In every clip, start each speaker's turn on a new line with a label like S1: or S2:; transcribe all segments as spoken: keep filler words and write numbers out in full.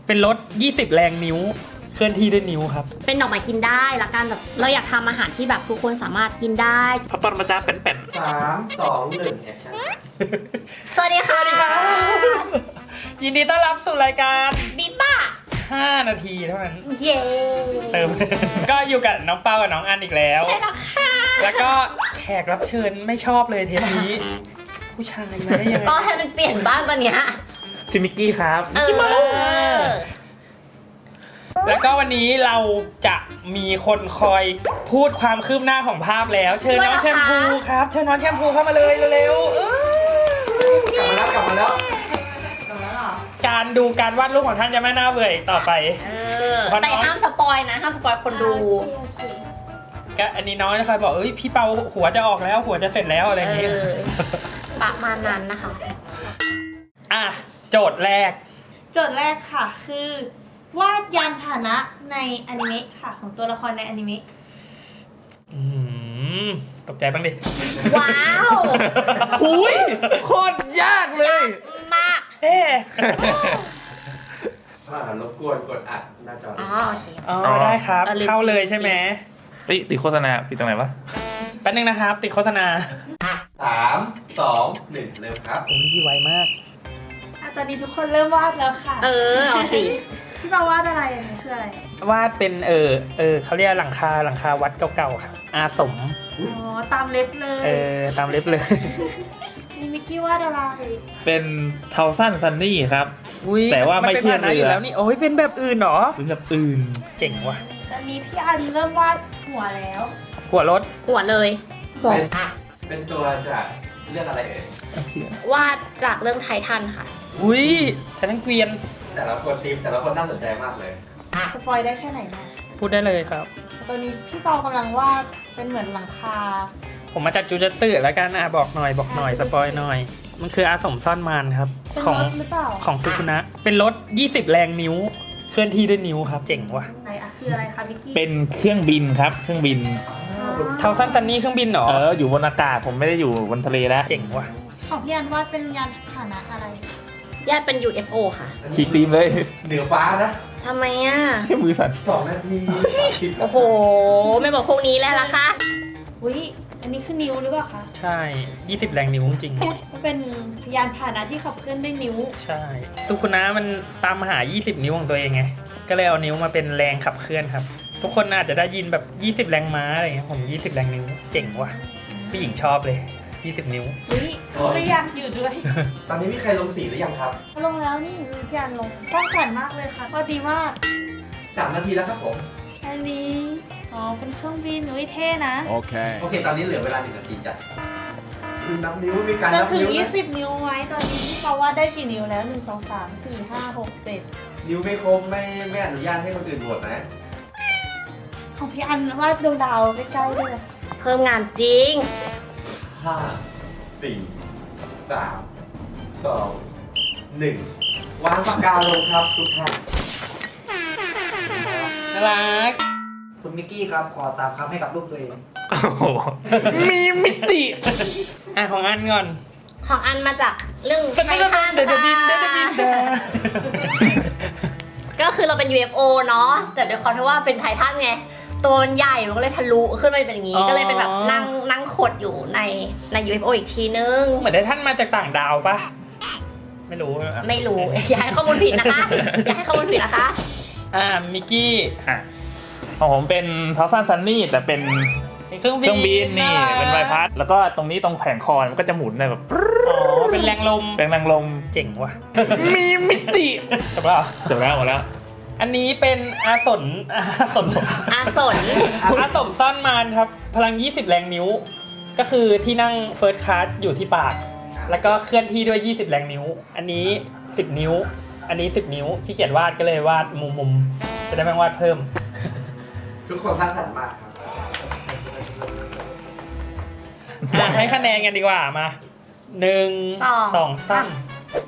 S1: เป็นรถยี่สิบแรงนิ้วเคลื่อนที่ด้วยนิ้วครับ
S2: เป็นดอกไม้กินได้ละกันแบบเราอยากทำอาหารที่แบบทุกคนสามารถกินได้
S1: พระปรมาจารย์เป็น
S3: สามสองหนึ่งแอคชั่น
S2: สวัสดีค่ะ
S1: ยินดีต้อนรับสู่รายการ
S2: บิ๊บ้า
S1: ห้านาทีเท่านั้น
S2: เย้
S1: เติม ก็อยู่กับน้องเปากับน้องอันอีกแล้ว
S2: ใช่แล้วค่ะ
S1: แล้วก็แขกรับเชิญไม่ชอบเลยเทปนี้ผู้ชายมาได้ยังไง
S2: ก็ให้มันเปลี่ยนบ้างตอนเนี้ย
S1: ซิมิกกี้ครับ
S2: เออ
S1: แล้วก็วันนี้เราจะมีคนคอยพูดความคืบหน้าของภาพแล้วเชิญน้องแชมพูครับเชิญน้องแชมพูเข้ามาเลยเร็วๆ
S3: กลับมาแล้วกลับมาแล้ว
S1: การดูการวาดรูปของท่านจะไม่น่าเบื่ออีกต่อไป
S2: เออแต่ห้ามสปอยนะห้ามสปอยคนดู
S1: ก็อันนี้น้องจะคอยบอกเอ้ยพี่เปาหัวจะออกแล้วหัวจะเสร็จแล้วอะไรอย่างเงี้ย
S2: ประมาณนั้นนะคะ
S1: อ่ะโจทย์แรก
S4: โจทย์แรกค่ะคือวาดยานพาหนะในอนิเมะค่ะของตัวละครในอนิเมะ
S1: อืมตกใจบ้างดิ
S2: ว้าว
S1: หุยโคตรยากเลย
S2: มาก
S1: เอ๊ะ
S3: อ่ารบกวนกดอัดหน้าจออ๋อ
S2: โอเค
S1: อ๋อได้ครับเข้าเลยใช่ไหม
S5: เฮ้ยติดโฆษณาปิดตรงไหนวะ
S1: แป๊บนึงนะครับติดโฆษณา
S3: สามสองหนึ่งเร็วครับ
S1: โอ้ยไวมาก
S4: ตอนนี้ทุกคนเริ่มวาดแล้วค่ะ
S2: เออเอาสิ
S4: พี่เปาวาดอะไรอันนี้คืออะไร
S1: วาดเป็นเออเออเขาเรียกหลังคาหลังคาวัดเก่าๆครับอาสม
S4: อ๋อตามเล็บเลย
S1: เออตามเล็บเลย
S4: นี่มิกกี้วาดอะไร
S5: เป็นเทาสั้นซันนี่ครับแต่ว่าไม่เชื่อเรือ
S1: แล้วนี่โอ้ยเป็นแบบอื่นเหรอ
S5: เป็นแบบอื่น
S1: เจ๋งว่ะ
S4: ตอนนี้พี่อันเริ่มวาดหัวแล้ว
S1: หัวรถ
S2: หัวเลย
S3: หัวเป็นตัวจากเรื่องอะไรเอ่ยว
S2: าดจากเรื่องไททันค่ะ
S1: อุ้ยไททันเกวียน
S3: แต่ละคนทีมแต่ละคนน่าสนใจมากเลย
S4: สปอยได้แค่ไหนนะ
S1: พูดได้เลยครับ
S4: ตอนนี้พี่เปากำลังวาดเป็นเหมือนหลังคา
S1: ผมมาจากจูจัตสึแล้วกันอ่ะบอกหน่อยบอกหน่อยสปอยหน่อยมันคืออาสมซ่อนมารครับ
S4: ของหรือเปล่า
S1: ของซุคุนะเป็นรถยี่สิบแรงนิ้วเคลื่อนที่ด้วยนิ้วครับเจ๋งว่ะ
S4: ไหนอะคืออะไรคะมิกกี้
S5: เป็นเครื่องบินครับเครื่องบิน
S1: เทาสั้นซันนี่เครื่องบินเหรอ
S5: เอออยู่บนอากาศผมไม่ได้อยู่บนทะเลแล้ว
S1: เจ๋งว่ะ
S4: ของพี่อันวาดเป็นยานพาหนะอะไร
S2: ญาติเป็น ยู เอฟ โอ ค่ะ
S5: ฉีกตีมเลย
S3: เหนือฟ้านะ
S2: ทำไมอ่ะ
S5: แค่มือสั่น
S3: สองนาที
S2: โอ้โหไม่บอกพวกนี้แล้วล่ะคะ
S4: อุ้ยอันนี้คือนิ้วหรือเปล่าคะ
S1: ใช่ยี่สิบแรงนิ้วจริง
S4: มันเป็นยานพาหนะที่ขับเคลื่อนด้วยนิ้ว
S1: ใช่ซุคุนะมันตามหายี่สิบนิ้วของตัวเองไงก็เลยเอานิ้วมาเป็นแรงขับเคลื่อนครับทุกคนอาจจะได้ยินแบบยี่สิบแรงม้าอะไรเงี้ยผมยี่สิบแรงนิ้วเจ๋งว่ะผู้หญิงชอบเลยยี่สิบนิ้ว
S4: อุ้ยไม่อยากอยู่ด้วย
S3: ตอนนี้มีใครลงสีหรือยังครับ
S4: ลงแล้วนี่มีพี่อันลงสร้างสรรค์มากเลยค่ะก็ดีมาก
S3: สามนาทีแล้วครับผม
S4: อันนี้อ๋อเป็นเครื่องบินอุ้ยเท่นะ
S3: โอเคโอเคตอนนี้เหลือเวลาหนึ่งนาทีจ้ะนับนิ้วมีการนับนิ้ว
S4: จะถึงยี่สิบนิ้วไว้ตอนนี้พี่เปาว่าได้กี่นิ้วแล้วหนึ่งสองสามสี่ห้าหกเจ็ด
S3: นิ้วไม่ครบไม่ไม่อนุญาตให้คนอื่นโหวตนะ
S4: ของพี่อันวาดดวงดาวใกล้ๆด้วย
S2: เพิ่มงานจริง
S3: ห้าสี่สามสองหนึ่งวางปากกาลงครับทุกท่าน
S1: น่ารัก
S3: คุณมิกกี้ครับขอสามคำให้กับลูกตัวเอง
S1: มีมิติอ่ะของอันก่อน
S2: ของอันมาจากเรื่องไททันก็คือเราเป็น ยู เอฟ โอ เนาะแต่ด้วยความที่ว่าเป็นไททันไงตัวมันใหญ่มันก็เลยทะลุขึ้นไปเป็นอย่างนี้ก็เลยเป็นแบบนั่งนั่งขดอยู่ในใน ยู เอฟ โอ อีกทีนึง
S1: เหมือนได้ท่านมาจากต่างดาวปะไม่รู้
S2: ไม่รู้อย่าให้ข้อมูลผิดนะคะอย่าให้ข้อมูลผิดนะคะ
S1: อ่ามิกกี้
S5: อ่ะของผมเป็นเทาสั้นซันนี่แต่เป็น
S1: เครื่องบิน
S5: นี่เป็นใบพัดแล้วก็ตรงนี้ตรงแผงคอมันก็จะหมุนได้แบบ
S1: อ๋อเป็นแรงลม
S5: เป็นแรงลม
S1: เจ๋งว่ะมีมิติจบแล้ว
S5: จบแล้วหมดแล้ว
S1: อันนี้เป็นอาสนอาสน
S2: อาสน
S1: อาสมซ่อนมารครับพลังยี่สิบแรงนิ้วก็คือที่นั่งเฟิร์สคลาสอยู่ที่ปากแล้วก็เคลื่อนที่ด้วยยี่สิบแรงนิ้วอันนี้สิบนิ้วอันนี้สิบนิ้วขี้เกียจวาดก็เลยวาดมุมๆจะได้ไม่วาดเพิ่ม
S3: ทุกคนสร้างสรรค์มาก
S1: ครับให้คะแนนกันดีกว่ามาหนึ่งสองสาม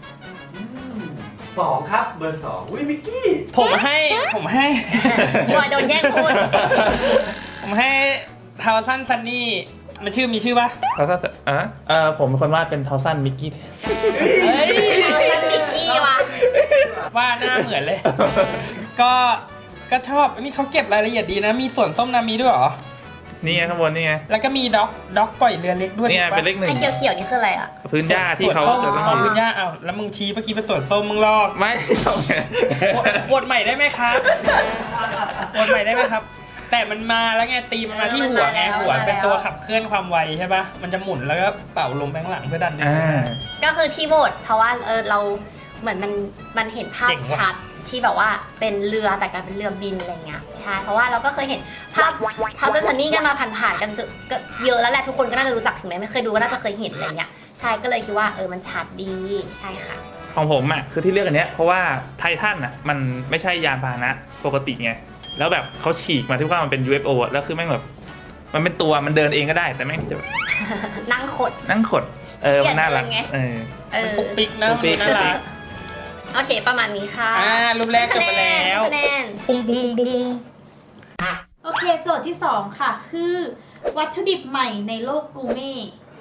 S3: สองครับเบอร์สองอุ้ยมิกกี้
S1: ผมให้ผมให้
S2: บอยโดนแย่งพูด
S1: ผมให้เทาสั้นซันนี่มันชื่อมีชื่อปะ
S5: เทาสั้นอ่ะเออผมเป็นคนวาดเป็นเทาสั้นมิกกี้
S2: เฮ้ยเทาสั้นมิกกี้วะ
S1: ว่าหน้าเหมือนเลย ก็ก็ชอบนี่เขาเก็บรายละเอียดดีนะ มีส่วนส้มนามีด้วยเหรอ
S5: นี่ไงข้างบนนี่ไง
S1: แล้วก็มีด็อกด็อกปล่อยเรือเล็กด้วย
S5: นี่ไง
S1: ถูกปะ
S5: เป็นเลขหนึ่ง
S2: ไอ้เขียวๆนี่คืออะไรอ่ะ
S5: พื้นหญ้าที่เขา
S1: ส่วน
S5: จะ
S1: ส้ม
S5: ต้อง
S1: ของ
S5: มี
S1: พื้นหญ้าอ้าวแล้วมึงชี้เมื่อกี้เป็นส่วนส้มมึงลอก
S5: ไม่ต้องไง
S1: บทใหม่ได้ไหมครับบทใหม่ได้ไหมครับ แต่มันมาแล้วไงตีมันมาที่หัวไงหัวเป็นตัวขับเคลื่อนความไวใช่ปะมันจะหมุนแล้วก็เป่าลมแบงหลังเพื่อดันดึง
S5: อ่า
S2: ก็คือที่โบสถ์เพราะว่าเออเราเหมือนมันมันเห็นภาพ
S1: เจ๋งว่ะ
S2: ชัดที่แบบว่าเป็นเรือแต่กลายเป็นเรือบินอะไรเงี้ยใช่เพราะว่าเราก็เคยเห็นภาพทาวเซนซันนี่กันมาผ่านๆกันก็เยอะแล้วแหละทุกคนก็น่าจะรู้จักถึงแม้ไม่เคยดูก็น่าจะเคยเห็นอะไรเงี้ยใช่ก็เลยคิดว่าเออมันชัดดีใช่ค่ะ
S5: ของผมอ่ะคือที่เลือกอันเนี้ยเพราะว่าไททันอ่ะมันไม่ใช่ยานพาหนะปกติไงแล้วแบบเขาฉีกมาที่ว่ามันเป็น ยู เอฟ โอ อะแล้วคือแม่งแบบมันเป็นตัวมันเดินเองก็ได้แต่แม่งจะแบบ
S2: นั่งขด
S5: นั่งขดเออมันน่ารัก
S2: เปลี่ยนเองไง
S5: เออ
S2: เออ
S1: ปุ๊กปิ๊กนะ
S5: ปุ๊กปิ๊ก
S1: น่ารัก
S2: โอเคประมาณนี้ค่ะ
S1: อ่ารูปแรกจบไปแล้ว
S2: คะแนน
S1: ปุ้งปุ้งปุ้งปุ้ง
S4: โอเค โจทย์ที่สองค่ะ คือ วัตถุดิบใหม่ในโลกกูเม่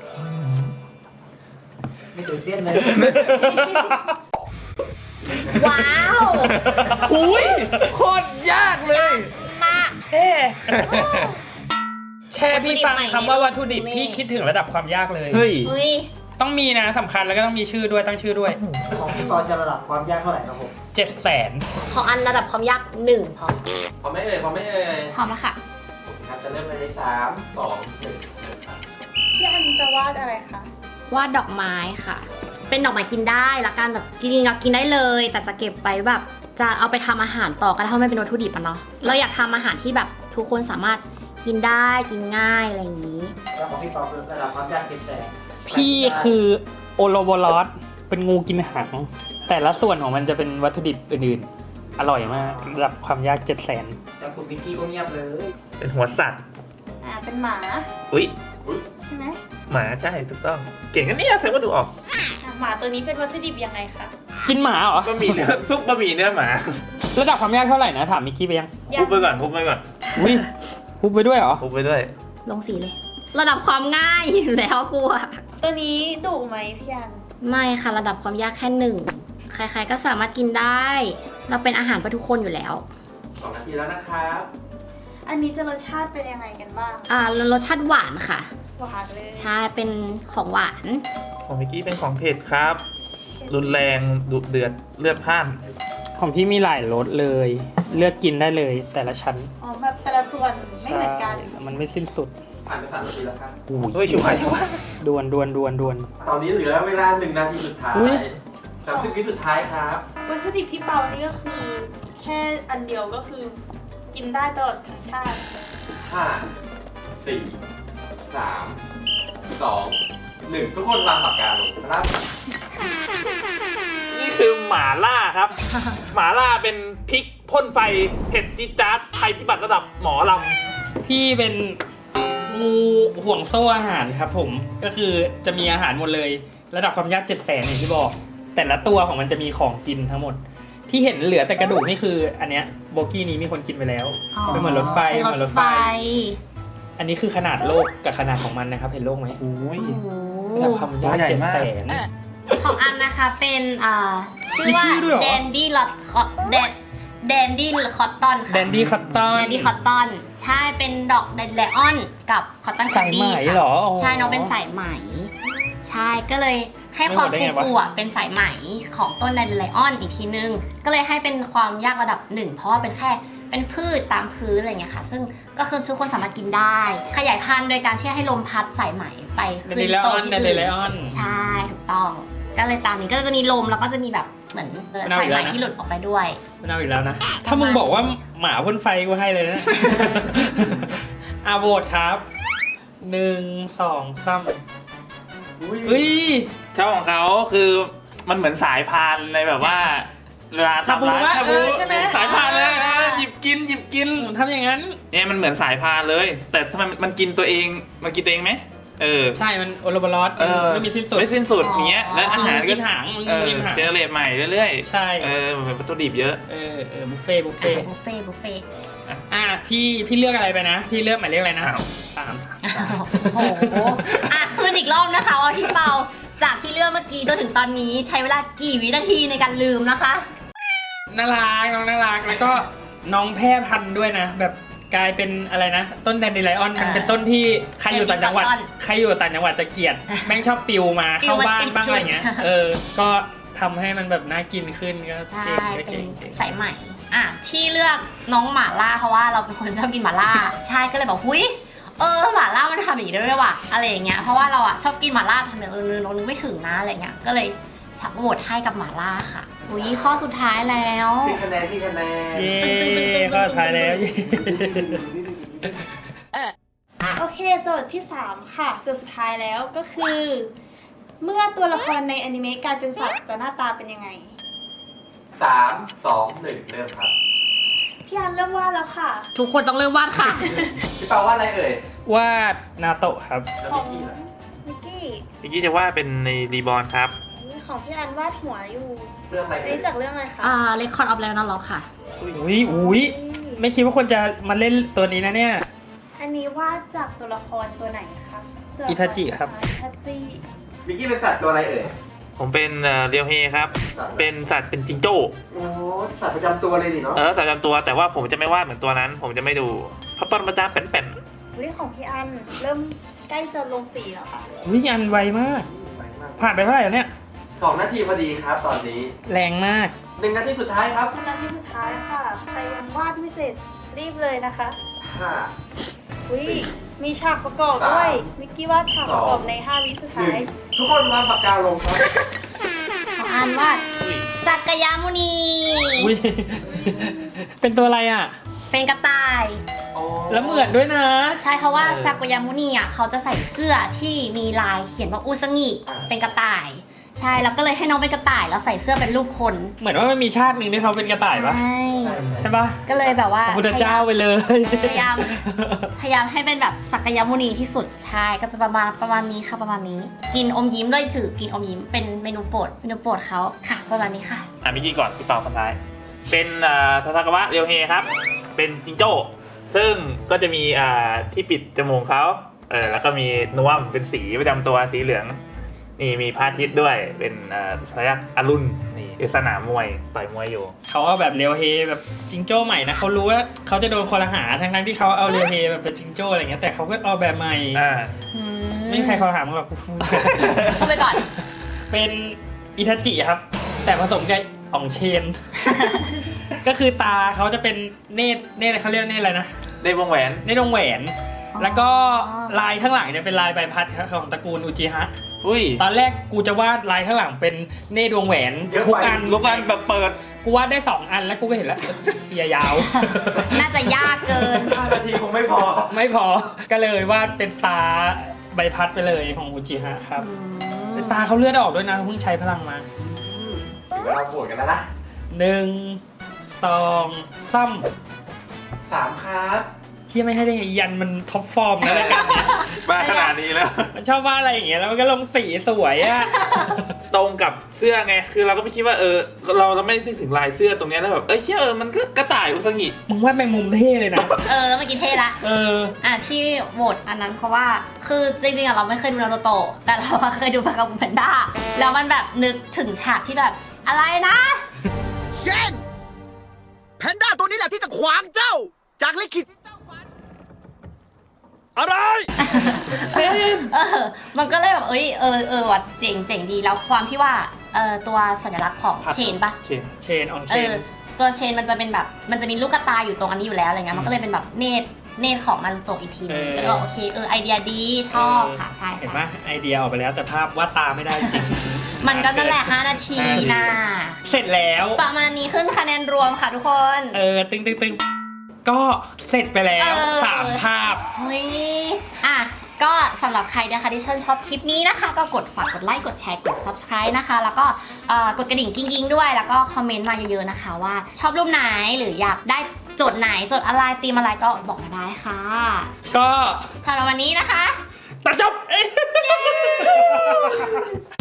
S3: ไม่ตื่นเต้นเลย
S2: ว้าว
S5: หุยโคตรยากเลย
S2: มาก
S1: เอ๊ะแค่พี่ฟังคำว่าวัตถุดิบ
S2: ไม่
S1: พี่คิดถึงระดับความยากเลย
S5: เฮ้ย
S2: เฮ้ย
S1: ต้องมีนะสำคัญแล้วก็ต้องมีชื่อด้วยตั้งชื่อด้วย
S3: ของพี่ปอจะระดับความยากเท่าไหร่ครับผม
S1: เจ็ดแสน
S2: ของอันระดับความยากหนึ่งพอ
S3: พอไม่เอ่ยพอไม่เอ่ย
S2: พร้อมแล้วค่ะ
S3: ครับจะเริ่มเลยในสามสองหนึ่ง
S4: พี่อันจะวาดอะไรคะ
S2: วาดดอกไม้ค่ะ เป็นดอกไม้กินได้ละกันแบบจริงๆอะกินได้เลย แต่จะเก็บไปแบบจะเอาไปทำอาหารต่อก็ได้ถ้าไม่เป็นวัตถุดิบอะเนาะ เราอยากทำอาหารที่แบบทุกคนสามารถกินได้กินง่ายอะไรอย่างนี้
S3: แล้วของพี่ปอคือระดับความยากเจ็ดแสน
S1: พี่คือโอโลโบลอสเป็นงูกินหางแต่ละส่วนของมันจะเป็นวัตถุดิบอื่นๆ อร่อยมากระดับความยากเจ็ดแสน
S3: แล้วคุณมิกกี้ก็เงียบเลย
S5: เป็นหัวสัตว์
S4: อ่า เป็นหมา
S5: อุ้ย
S4: ใช่ไหม
S5: หมาใช่ถูกต้อง เก่งกันเนี่ยแสดงว่าดูออก
S4: อ่ะหมาตัวนี้เป็นวัตถุดิบยังไงคะ
S1: กินหมาเหรอ
S5: บะหมี่เนื้อซุปบะหมี่เนื้อหมา
S1: ระดับความยากเท่าไหร่นะถามมิกกี้ไปยัง
S5: พุบไปก่อนพุบไปก่อน
S1: อุ้ยพุบไปด้วยเหรอ
S5: พุบไปด้วย
S2: ลงสีเลย ระดับความง่ายอยู่แล้วกลัว
S4: ตัวนี้ดุไหมพี่อัน
S2: ไม่ค่ะระดับความยากแค่หนึ่งใครๆก็สามารถกินได้ เราเป็นอาหารเพื่อทุกคนอยู่แล้ว
S3: สองนาทีแล้วนะครับ
S4: อันนี้จะรสชาติเป็นยังไงกันบ้าง
S2: อ่ารสชาติหวานค่ะ
S4: หวานเลย
S2: ใช่เป็นของหวาน
S5: ของเมื่อกี้เป็นของเผ็ดครับ รุนแรงดุเดือดเลือดพล่าน
S1: ของพี่มีหลายรสเลย เลือกกินได้เลยแต่ละชั้น
S4: อ๋อ แบบแต่ละส่วนไม่เหมือนกัน
S1: ใช่มันไม่สิ้นสุด
S3: ผ่านไปสามนาทีแล้วครับ
S5: เฮ้ยอยู่ไหนวะ
S1: ดวนดวนดวนดวน
S3: ตอนนี้เหลือเวลาหนึ่งนาทีสุดท้าย
S1: อุ๊ย
S3: สามสิบวิสุดท้ายครับ
S4: วัตถุดิบพี่เปานี่ก็คือ แค่อันเดียวก็คือ กินได้ตลอดทั้งชาติ
S3: ห้าสี่สามสองหนึ่งทุกคนวางปากกาลงครับ
S5: นี่คือหมาล่าครับ หมาล่าเป็นพริกพ่นไฟเผ็ดจี๊ดจ๊าดภัยพิบัติระดับหมอล
S1: พี่เป็นงูห่วงโซ่อาหารครับผมก็คือจะมีอาหารหมดเลย ระดับความยากเจ็ดแสนอย่างที่บอก แต่ละตัวของมันจะมีของกินทั้งหมด ที่เห็นเหลือแต่กระดูกนี่คือ อันเนี้ยโบกี้นี้มีคนกินไปแล้ว เป็นเหมือนรถไฟ
S2: เป็น
S1: เหมือน
S2: ร
S1: ร
S2: ถ
S1: ถ
S2: ไฟ
S1: ไฟ อันนี้คือขนาดโลกกับขนาดของมันนะครับ เห็นโลกไหม
S5: ำโอ้ย
S1: ระดับความยาก
S5: ตัวใหญ่
S1: เจ็ด
S5: มาก
S1: แสน
S2: ของอันนะคะเป็นอ่าชื่อว่า
S1: มีชื่อด้วยเหรอ
S2: แดนดี้ลอตแดนแดนดี้คอตตอนค่ะ
S1: แดนดี้คัตตัน
S2: แดนดี้คอตตอนใช่เป็นดอกแดนไลออนกับคอตตอน
S1: สายไหมเหรออ๋อ
S2: ใช่น้องเป็นสายไหม ใช่ก็เลยให้
S1: ไม่
S2: ความ
S1: หมดได้ไงวะ
S2: ฟูๆอ่ะเป็นสายไหมของต้นแดนไลออนอีกทีนึง ก็เลยให้เป็นความยากระดับหนึ่งเพราะว่าเป็นแค่เป็นพืชตามพื้นอะไรอย่างเงี้ยค่ะ ซึ่งก็คือทุกคนสามารถกินได้ ขยายพันธุ์โดยการที่ให้ลมพัดสายไหมไป
S1: แด
S2: ขึ้
S1: น
S2: น
S1: ดี้ไลอ
S2: โต
S1: อน
S2: ที่
S1: แดนดี้
S2: อื่
S1: ไล
S2: น
S1: ออน
S2: ใช่ถูกต้อง ก็เลยตามนี้ก็จะมีลมแล้วก็จะมีแบบเหมือนเอ่อ
S1: ไม่น่า
S2: สายไหม
S1: อีกแล้วนะ
S2: ที่หลุดออกไปด้วย
S1: ไม่เอาอีกแล้วนะ ถ้ามึงบอกว่าหมาพ่นไฟกูให้เลยนะ อาโหวตครับหนึ่งสองสาม
S3: อุ้ย
S1: เฮ้ย
S5: ชอบของเขาคือมันเหมือนสายพานในแบบว่าเวลา
S1: ชาบู
S5: ทำร้าน
S1: วะ
S5: ชาบู
S1: เออใช่ไหม
S5: สายพานเลยนะหยิบกินหยิบกิน
S1: ทำอย่างนั้น
S5: เนี่ยมันเหมือนสายพานเลย แต่ทำไมมันมันกินตัวเองมันกินตัวเองไหมเออ
S1: ใช่ มันโอโลบาลอส
S5: เออ
S1: ไม่มีสิ้นสุด
S5: ไม่สิ้นสุดอย่างเงี้ยและอาหาร
S1: กิ
S5: ก็
S1: นหางมึง
S5: เออ
S1: กินหาง
S5: เจเนเรตใหม่เรื่อย
S1: ใช่
S5: ๆเออมันเป็นวัตถุดิบเยอะ
S1: เออเออบุฟเฟ่ต์บุฟเฟ่ต์
S2: บุฟเฟ่ต์บุฟเฟ่ต์
S1: อ่ะพี่พี่เลือกอะไรไปนะ พี่เลือกหมายเลขอะไรนะ
S5: อ้าว
S1: สาม
S2: โอ้โหอ่ะคืนอีกรอบนะคะว่าพี่เปาจากที่เลือกเมื่อกี้จนถึงตอนนี้ใช้เวลากี่วินาทีในการลืมนะคะ
S1: น่ารักน้องน่ารักแล้วก็น้องแพร่พันธุ์ด้วยนะ แบบกลายเป็นอะไรนะ ต้นแดนเดไลออนมันเป็นต้นที่ใครอยู่ต่างจังหวัดใครอยู่ต่างจังหวัดจะเกลียดแม่งชอบปิวมาเข้าบ้านบ้างอะไรเงี้ยเออก็ทำให้มันแบบน่ากินขึ้นก็
S2: ใช่
S1: เก่งก็
S2: เป็
S1: เก่
S2: น
S1: งเก่ง
S2: สายใหม่อ่ะที่เลือกน้องหมาล่าเพราะว่าเราเป็นคนชอบกินหมาล่า ใช่ก็เลยบอกหุยเออหมาล่ามันทำอย่างนี้ได้ด้วยว่ะอะไรอย่างเงี้ยเพราะว่าเราอ่ะชอบกินหมาล่าทำอย่างอื่นเรานึกไม่ถึงนะอะไรเงี้ยก็เลยชักโหวตให้กับหมาล่าค่ะอุ้ยข้อสุดท้ายแล้ว
S3: ที่คะแนนที่คะแนน
S1: เย้ก็ท้ายแล้วเย้
S4: โอเคโจทย์ที่สามค่ะโจทย์สุดท้ายแล้วก็คือ เมื่อตัวละครในอนิเมะกลายเป็นสัตว์จะหน้าตาเป็นยังไง
S3: สามสองหนึ่งเริ่มครับ
S4: พี่อันเริ่มวาดแล้วค่ะ
S2: ทุกคนต้องเริ่มวาดค่ะ
S3: พี่เปาว่าอะไรเอ่ยว
S1: าดนาโตะครับ
S3: แล้ว
S4: ขอ
S3: มิ
S4: ง
S3: กกี้ล่ะ
S4: มิกกี้
S5: เมื่อกี้จะว่าเป็นในรีบอร์นครับ
S4: ของพี่อันวาดหัวอยู่
S3: เรื่องอะไร
S4: อัน
S3: เอ่ย
S4: นี้จากเรื่องอะไรคะ
S2: อ่าเลคคอร์ดออฟแล้วนั่นหรอค่ะ
S1: อุ้ยอุ้ยไม่คิดว่าคนจะมาเล่นตัวนี้นะเนี่ย
S4: อันนี้วาดจากตัวละครตัวไหนครับตัวละคร
S1: อิทาจิครับ
S4: อิทาจิ
S3: มิกกี้เป็นสัตว์ตัวอะไรเอ่ย
S5: ผมเป็นเอ่อเรียวเฮครับ เป็นสัตว์เป็นจิงโจ้
S3: โอ้สัตว์ประจำตัวเลยดิเนาะ
S5: เออสัตว์ประจำตัวแต่ว่าผมจะไม่วาดเหมือนตัวนั้น ผมจะไม่ดูเพราะตอนประจำเป็น
S4: เรื่องของพี่อันเริ่มใกล้จะลงสีแล้วค่ะ
S1: อุ้ยอันไวมาก ผ่านไปเท่าไหร่แล้วเนี่ย
S3: สองนาทีพอดีครับตอนนี้
S1: แรงมาก
S3: หนึ่งนาทีสุดท้ายครับ
S4: นาทีสุดท้ายค่ะใครยังวาดไม่เสร็จรีบเลยนะคะ
S3: ห้า
S4: อุ้ยมีฉากประกอบด้วย มิกกี้วาดฉากประกอบในห้าวิสุด
S3: หนึ่
S4: ท้าย
S3: งทุกคนวางปากกาลงครับ
S2: ของอันวาดสักยามุนี
S1: อุ้ย เป็นตัวอะไรอ่ะ
S2: เป็นกระต่าย
S1: แล้วเหมือนด้วยนะ
S2: ใช่เพราะว่าซากยามุนีอ่ะเขาจะใส่เสื้อที่มีลายเขียนว่าอุซางิเป็นกระต่าย ใช่แล้วก็เลยให้น้องเป็นกระต่ายแล้วใส่เสื้อเป็นรูปคน
S1: เหมือนว่ามันมีชาติหนึ่งที่เขาเป็นกระต่ายปะ
S2: ใช่
S1: ใช่ปะ
S2: ก็เลยแบบว่า
S1: พระพุทธเจ้าไปเลย
S2: พยายามพยายามให้เป็นแบบสักยามุนีที่สุดใช่ก็จะประมาณประมาณนี้ค่ะประมาณนี้ กินอมยิ้มด้วยถือกินอมยิ้มเป็นเมนูโปรดเมนูโปรดเขาค่ะประมาณนี้ค่ะ
S5: ๆอ่ะเมื่อกี้ก่อนพี่เปาคนท้าย เป็นอ่าซาซากาวะเรียวเฮครับ เป็นจิงโจ้ ซึ่งก็จะมีอ่าที่ปิดจมูกเขาเออแล้วก็มีนวมเป็นสีประจำตัวสีเหลือง นี่มีพระอาทิตย์ด้วยเป็นอ่าพยักอรุณนี่คือสนามมวยต่อยมวยอยู่
S1: เขาเอาแบบเรียวเฮแบบจิงโจ้ใหม่นะเขารู้ว่าเขาจะโดนคนละหาทั้งทั้งๆที่เขาเอาเรียวเฮแบบเป็นจิงโจ้อะไรเงี้ยแต่เขาก็เอาแบบใหม่
S5: อ่า
S1: ไม่มีใครเขาถามหรอก
S2: เข้าไปก่อน
S1: เป็นอิทาจิครับ แต่ผสมกับอ่องเชน ก็คือตาเขาจะเป็นเนตรเนตรเขาเรียกเนตรอะไรนะ
S5: ได้วงแหวน
S1: เนตรวงแหวน
S2: อ๋อ
S1: แล้วก็ลายข้างหลังเนี่ยเป็นลายใบพัดของตระกูลอุจิฮะ
S5: อุ้ย
S1: ตอนแรกกูจะวาดลายข้างหลังเป็นเนตรวงแหวน
S3: เยอะไป
S1: ทุกอัน
S5: ลูกกันแบบเปิด
S1: กูวาดได้สองอันแล้วกูก็เห็นแล้วเหียยาว
S2: น่าจะยากเกิน
S3: ห้านาทีคงไม่พอ
S1: ไม่พอก็เลยวาดเป็นตาใบพัดไปเลยของอุจิฮะครับตาเขาเลือดออกด้วยนะเพิ่งใช้พลังมา
S3: ถึงเวลาโหวตกันแล้วนะ
S1: หนึ่งสองซ้
S3: สามครับ
S1: ำที่ไม่ให้ได้ไงยันมันท็อปฟอร์มนะรายการเนี้ย
S5: มาขนาดนี้แล้ว
S1: มันชอบวาดอะไรอย่างเงี้ยแล้วมันก็ลงสีสวยอะ
S5: ตรงกับเสื้อไง คือเราก็ไม่คิดว่าเออ เราเราไม่นึกถึงลายเสื้อตรงเนี้ยแล้วแบบ เอ้ยเชื่อเออ มันก็กระต่ายอุซางิ
S1: มึงวาดแมงมุมเท่เลยนะ
S2: เออเมื่อกี้เท่ละ
S1: เออ
S2: อ่ะที่โหวตอันนั้นเพราะว่าคือจริงๆอะเราไม่เคยดูนารูโตะแต่เราอะเคยดูปากกาบูแพนด้าแล้วมันแบบนึกถึงฉากที่แบบอะไรนะ
S6: เช่นแพนด้าตัวนี้แหละที่จะขวางเจ้า จากลิขิตที่เจ้าฝัน
S5: อะไร
S2: เออมันก็เลยแบบเอ้ยเออเออว่ะเจ๋งเจ๋งดีแล้วความที่ว่าเออตัวสัญลักษณ์ของ
S5: ครับ
S2: เชนปะ
S5: เชน
S1: เชนอองเช
S2: เอน อตัวเชนมันจะเป็นแบบมันจะมีลูกกระตายอยู่ตรงอันนี้อยู่แล้วอะไรเงี้ยมันก็เลยเป็นแบบเนตรเนตรของนารูโตะอีกทีนึงก็เลยบอกโอเคเออไอเดียดีชอบค่ะใช่
S1: เห็น
S2: ใช่
S1: ปะไอเดียออกไปแล้วแต่ภาพวาดตาไม่ได้จริง
S2: มันก็นั่นแหละห้านาทีนะ
S1: เสร็จแล้ว
S2: ประมาณนี้ขึ้นคะแนนรวมค่ะทุกคน
S1: เออ ตึงตึงตึงก็เสร็จไปแล้ว
S2: เออ
S1: สามภาพ
S2: เฮ้ยอ่ะก็สำหรับใครนะคะที่ชื่นชอบคลิปนี้นะคะ ก็กดฝากกดไลค์กดแชร์กด subscribe นะคะ แล้วก็เอ่อกดกระดิ่งกิ้งๆด้วย แล้วก็คอมเมนต์มาเยอะๆนะคะว่าชอบรูปไหนหรืออยากได้โจทย์ไหนโจทย์อะไรธีมอะไรก็บอกมาได้ค่ะ
S1: ก็
S2: สำหรับวันนี้นะคะ
S1: ตัดจบ